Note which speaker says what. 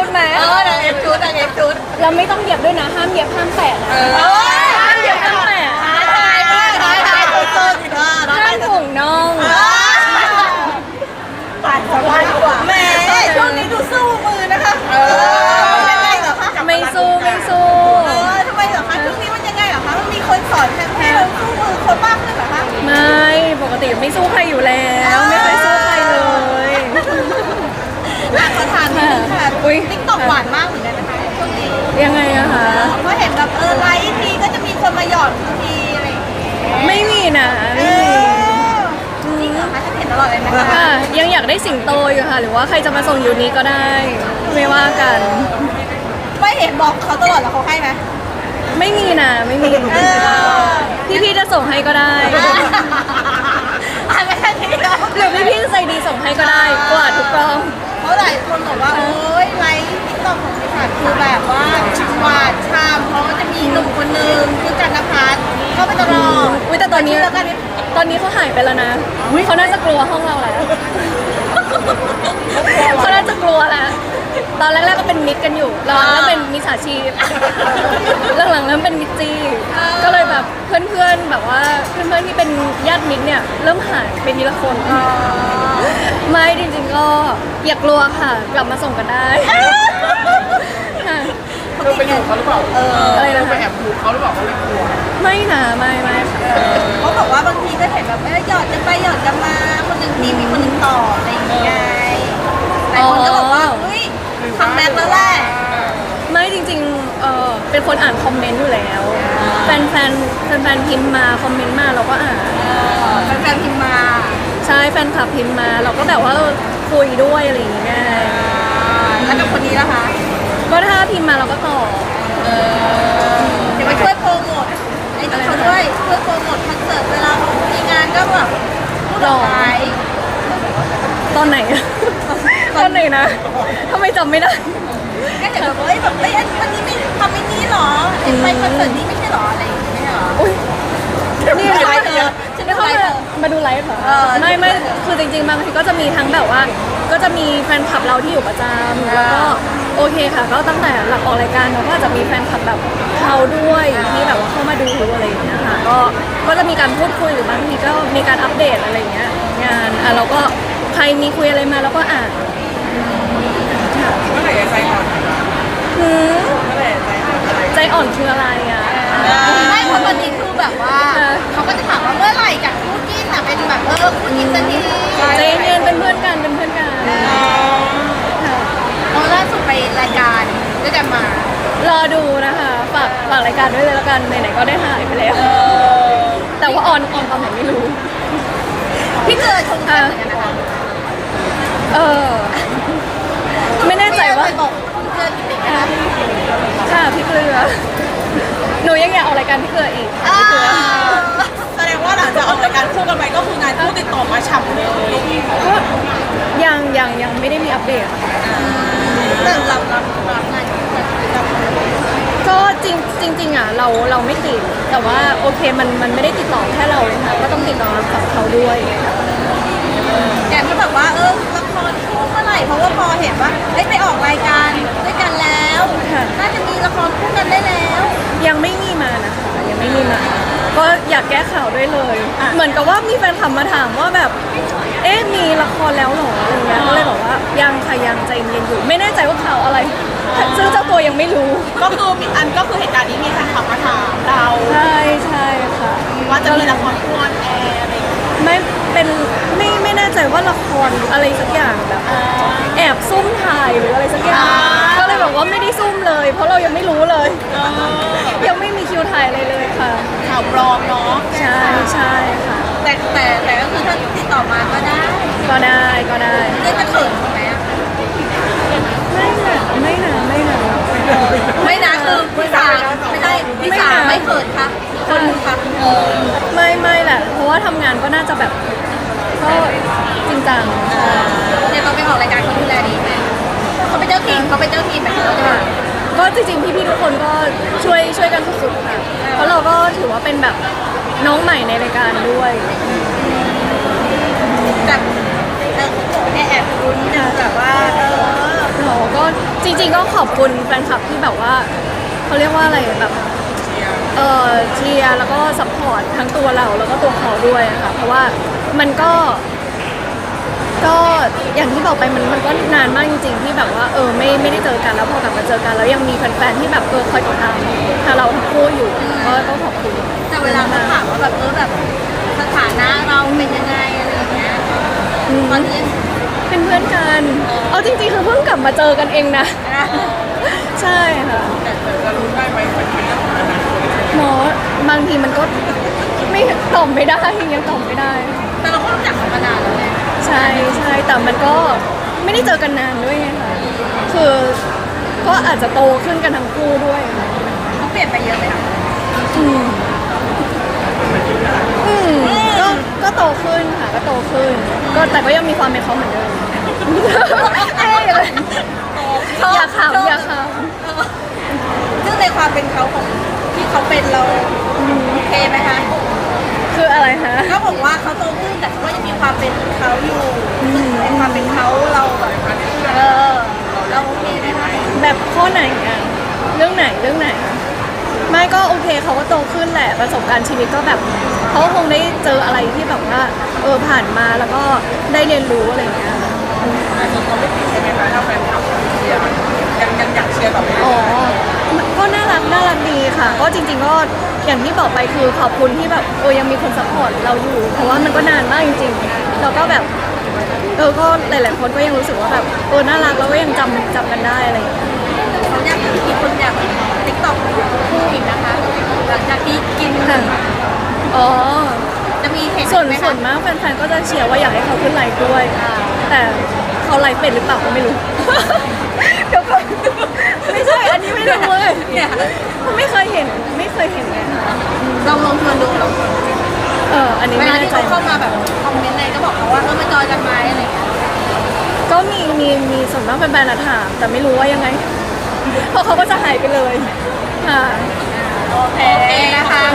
Speaker 1: ไหน
Speaker 2: นางเอฟชุดนางเอฟชุด
Speaker 1: เราไม่ต้องเหยียบด้วยนะห้ามเหยียบห้ามแตะนะห้ามเหยียบห้ามแตะ
Speaker 2: ท้ายตัวอีก
Speaker 1: ห้ามห่วงน้อง
Speaker 2: ตายสบายกว่าแม่ช่วงนี้ดูสู้มือนะคะยังไงเหรอคะ
Speaker 1: ไม่สู้
Speaker 2: ทำไมเหรอคะช่วงนี้มันยังไงเหรอคะมันมีคนสอนให้เราสู้มือคนมากขึ้นเหรอคะ
Speaker 1: ไม่ปกติไม่สู้ใครอยู่แล้วไม่เคยสู้ใครเลย
Speaker 2: ขอถามนิดนึงค่ะติ๊กต็อกหวานมากเหมือนกันนะคะช่วงนี้
Speaker 1: ยังไงอะคะ
Speaker 2: เพราะเห็นแบบไลฟ์ทีก็จะมีคนมาหยอดทีอะไรอย่างเงี้ย
Speaker 1: ไม่มีนะ
Speaker 2: จริงเหรอคะฉันเห็นตลอดเลยนะคะ
Speaker 1: ยังอยากได้สิงโตอยู่ค่ะหรือว่าใครจะมาส่งอยู่นี้ก็ได้ไม่ว่ากัน
Speaker 2: ไม่เห็นบอกเขาตลอดแล้วเขาให้ไหม
Speaker 1: ไม่มีนะไม่มีพี่จะส่งให้ก็ได้
Speaker 2: ไม่ใช่ที่เรา
Speaker 1: หรือพี่ใจดีส่งให้ก็ได้กว่าทุกกล้อง
Speaker 2: เพราะหลายคนบอกว่าโอ๊ยไลฟ์ติ๊กต็อกของพี่ผัดคือแบบว่าหวานชามเพราะว่าจะมีหนุ่มคนนึงคือกันนภัสเข้าไปตลอด
Speaker 1: แต่ตอนนี้เขาหายไปแล้วนะเขาน่าจะกลัวห้องเราแล้วเขาน่าจะกลัวแล้วตอนแรกๆก็เป็นมิตรกันอยู่แล้วเป็นมิจฉาชีพหลังๆเริ่มเป็นมิตรจีก็เลยแบบเพื่อนๆแบบว่าเพื่อนๆที่เป็นญาติมิตรเนี่ยเริ่มหายไปทีละคนไม่จริงๆก็อย่ากลัวค่ะกลับมาส่งกันได้
Speaker 3: เธอไปอยู่เขาหรือเปล่า
Speaker 1: อะไรนะ
Speaker 3: ไปแอบดูเขาหรือเปล่าเขาไม่กลัว
Speaker 1: ไม่นะไม่
Speaker 2: เขาบอกว่าบางทีก็เห็นแบบหยอดกันไปหยอดกันมาคนหนึ่งทีมีคนหนึ่งต่ออะไรอย่างเงี้ยหลายคนก็บอกว่าเฮ้ยทำแม็กแล้วแหละ
Speaker 1: ไม่จริงๆเป็นคนอ่านคอมเมนต์อยู่แล้วแฟนพิมพ์มาคอมเมนต์มาเราก็อ่าน
Speaker 2: แฟนพิมพ์มา
Speaker 1: ใช่แฟนคลับพิมพ์มาเราก็แบบว่าคุยด้วยอะไรอย่างเงี้ย
Speaker 2: แล้วกับคนนี้ล่ะคะ
Speaker 1: ก็ถ้าพิมพ์มาเราก็ตอบ
Speaker 2: เดี๋ยวมาช่วยโปรโมทไอ้นี่เขาด้วยช่วยโปรโมทคอนเสิร์ตเวลามีงานก็แบบพูดออกไป
Speaker 1: ตอนไหนนะทำไมจำไม่ได้
Speaker 2: ก็เห็นแบบวันนี้ไม่ทำไม่นี้หรอไปคอนเสิร์ตนี้ไม่ใช่หรออะไรอย่างเงี้ยหรอ
Speaker 1: นี่ไลฟ์มาดูไลฟ์เหรอไม่คือจริงๆบางทีก็จะมีทั้งแบบว่าก็จะมีแฟนคลับเราที่อยู่ประจำแล้วก็โอเคค่ะก็ตั้งแต่หลังออกรายการเราก็จะมีแฟนคลับแบบเขาด้วยที่แบบว่าเข้ามาดูอะไรอย่างเงี้ยค่ะก็จะมีการพูดคุยหรือบางทีก็มีการอัปเดตอะไรเงี้ยงานเราก็ใครมีคุยอะไรมาเราก็อ่าน
Speaker 3: เมื่อไหร่ใจอ่อน
Speaker 1: ใจอ่อนคืออะไรอ่ะ
Speaker 2: ไม่เพราะตอนนี้คือแบบว่าเขาก็จะถามว่าเมื่อไหร่จากคู่จิ้นอ่ะเป็นแบบคู่จิ้นสักที
Speaker 1: ใจเย็นเป็นเพื่อนกัน
Speaker 2: เอาล่าสุดไปรายการด้วยกันมาร
Speaker 1: อดูนะคะฝากรายการด้วยเลยแล้วกันไหนๆก็ได้หายไปแล้วแต่ว่าออนตอนไหนไม่รู้
Speaker 2: พี่เกิดชมกันเหมือนกันนะคะ
Speaker 1: ไม่แน่ใจว่า
Speaker 2: บอกพี่เกิดจริงๆนะคะ
Speaker 1: ค่ะพี่เกลือหนูยังอยากออกรายการพี่เกลืออีกพี่เกลือ
Speaker 2: แสดงว่าหลังจากออกรายการคู่กันไปก็คืองานคู่ติดต่อมาฉ่ำเลย
Speaker 1: ก็ยังไม่ได้มีอัปเดต
Speaker 2: แต่รับงาน
Speaker 1: ก็จริงอ่ะเราไม่ติดแต่ว่าโอเคมันไม่ได้ติดต่อแค่เราเลยค่ะก็ต้องติดต่อกับเขาด้วย
Speaker 2: อย่างที่แบบว่าละครคู่เมื่อไหร่เพราะว่าพอเห็นว่าไปออกรายการด้วยกันแล้วน่าจะมีละครคู่กันได้แล้ว
Speaker 1: ยังไม่มีมานะคะยังไม่มีมาก็อยากแก้ข่าวด้วยเลยเหมือนกับว่ามีแฟนคลับมาถามว่าแบบมีละครแล้วหรออะไรเงี้ยก็เลยบอกว่ายังค่ะยังใจเย็นอยู่ไม่แน่ใจว่าข่าวอะไรซึ่งเจ้าตัวยังไม่รู้
Speaker 2: ก็คือก็คือเหตุการณ์นี้มีแฟนคลับมาถามเรา
Speaker 1: ใช่ค่ะ
Speaker 2: ว่าจะมีละครคู่ออนแอร์อะไร
Speaker 1: ไม่แน่ใจว่าละครอะไรสักอย่างแบบแอบซุ่มถ่ายหรืออะไรสักอย่างก็เลยบอกว่าไม่ได้ซุ่มเลยเพราะเรายังไม่รู้เลยยังไม่มีคิวถ่ายอะไรเลยค่ะ
Speaker 2: ข่าวปลอมเนาะ
Speaker 1: ใช่ค่ะ
Speaker 2: แต่ก็คือถ้าติดต่อมาก็ได้เรียกจะเขินไหม
Speaker 1: ไม่นะ
Speaker 2: คือพี่สาไม่ได้พี่สาไม่เขินค่ะคนค่ะ
Speaker 1: ไม่แหละเพราะว่าทำงานก็น่าจะแบบก็จริงจัง
Speaker 2: เนี่ยเราไปออกรายการเขาดูแลดีไหมเขาเป็นเจ้าทีมแบบเขาจะ
Speaker 1: ก็จริงๆพี่ๆทุกคนก็ช่วยกันสุดๆค่ะเพราะเราก็ถือว่าเป็นแบบน้องใหม่ในรายการด้วย
Speaker 2: แต่แอบรุ้นนะแบบว่า
Speaker 1: เราก็จริงๆก็ขอบคุณแฟนคลับที่แบบว่าเขาเรียกว่าอะไรแบบเชียร์แล้วก็ซัพพอร์ตทั้งตัวเราแล้วก็ตัวเขาด้วยอะค่ะเพราะว่ามันก็อย่างที่บอกไปมันก็นานมากจริงๆที่แบบว่าไม่ได้เจอกันแล้วพอกลับมาเจอกันแล้วยังมีแฟนๆที่แบบคอยติดตามทางเราทั้งคู่อยู่ก็ขอบคุณ
Speaker 2: แต่เวลาเขาถามว่าแบบแบบสถานะเราเป็นยังไงอะไรอย่างเงี้ยตอนนี้
Speaker 1: เป็นเพื่อนกันเอาจริงๆคือเพิ่งกลับมาเจอกันเองนะ ใช่ค่ะ
Speaker 3: แต่จะรู้ได้ไหมเป็นเรื่องของอนาคต
Speaker 1: หมอบางทีมันก็ไม่ตอบไม่ได้ยังตอบไม่ได้
Speaker 2: แต่เราก็รู้จักกันมานานแล้วไง
Speaker 1: ใช่ใช่แต่มันก็ไม่ได้เจอกันนานด้วยไงค่ะคือก็อาจจะโตขึ้นกันทั้งคู่ด้วย
Speaker 2: เขาเปลี่ยนไปเยอะไหมคะ
Speaker 1: อืมก็โตขึ้นค่ะก็โตขึ้นก็แต่ก็ยังมีความเป็นเขาเหมือนเดิมเอ้ยอย่าขำอย่าข
Speaker 2: ซึ่งในความเป็นเขาของที่เขาเป็นเราโอเคไหมคะ
Speaker 1: ำคืออะไรคะ
Speaker 2: เขาบอกว่าเขาโตขึ้นแต่เขาก็ยังมีความเป็นเขาอยู่ซึ่งในความเป็นเขาเราแบบเราโอเคไหมคะ
Speaker 1: แบบข้อไหนอะเรื่องไหนไม่ก็โอเคเขาก็โตขึ้นแหละประสบการณ์ชีวิตก็แบบเขาคงได้เจออะไรที่แบบว่าผ่านมาแล้วก็ได้เรียนรู้อะไรอย่างเงี้ย
Speaker 3: แต่ส่วนตัวไม่ติดใช่ไหมคะถ้าแฟนคลับเชียร์มันยังอยากเชียร์ต่อไป
Speaker 1: อ๋อก็น่ารักดีค่ะ ก็จริงๆก็อย่างที่บอกไปคือขอบคุณที่แบบยังมีคนซัพพอร์ตเราอยู่ เพราะว่ามันก็นานมากจริงๆแล้วก็แบบก็หลายๆคนก็ยังรู้สึกว่าแบบน่ารักแล้วก็ยังจำกันได้อะไรอย่างเงี้ย
Speaker 2: เขาอยากมีคนอยากติ๊กต็อกคู่อีกนะคะหลังจากที่กิน
Speaker 1: ค่ะอ๋อ
Speaker 2: จะมีเห็น
Speaker 1: ส่วน
Speaker 2: ไหม
Speaker 1: ส่
Speaker 2: คะ
Speaker 1: วนมากแฟนๆก็จะเชียร์ว่าอยากให้เขาขึ้นไลฟ์ด้วย แต่เขาไลฟ์เป็นหรือเปล่าก็ไม่รู้ เดี๋ยวก่อนไม่ใช่ อันนี้ไม่รู้เลย
Speaker 2: เนี่ย
Speaker 1: ไม่เคยเห็นเลยค่ะ
Speaker 2: ลองชวนดูลองชวน
Speaker 1: อันนี้
Speaker 2: เว
Speaker 1: ไม่
Speaker 2: ลา
Speaker 1: แน่
Speaker 2: ที่
Speaker 1: ใจ
Speaker 2: เขาเข้ามาแบบคอมเมนต์อะไรก็บอกเขาว่ามาจอยกันไหมอะไรอย่างเงี้ย
Speaker 1: ก็มีส่วนมากเป็นแบรนด์ถามแต่ไม่รู้ว่ายังไง เพราะเขาก็จะหายไปเลยค่ะ
Speaker 2: โอเคนะคะ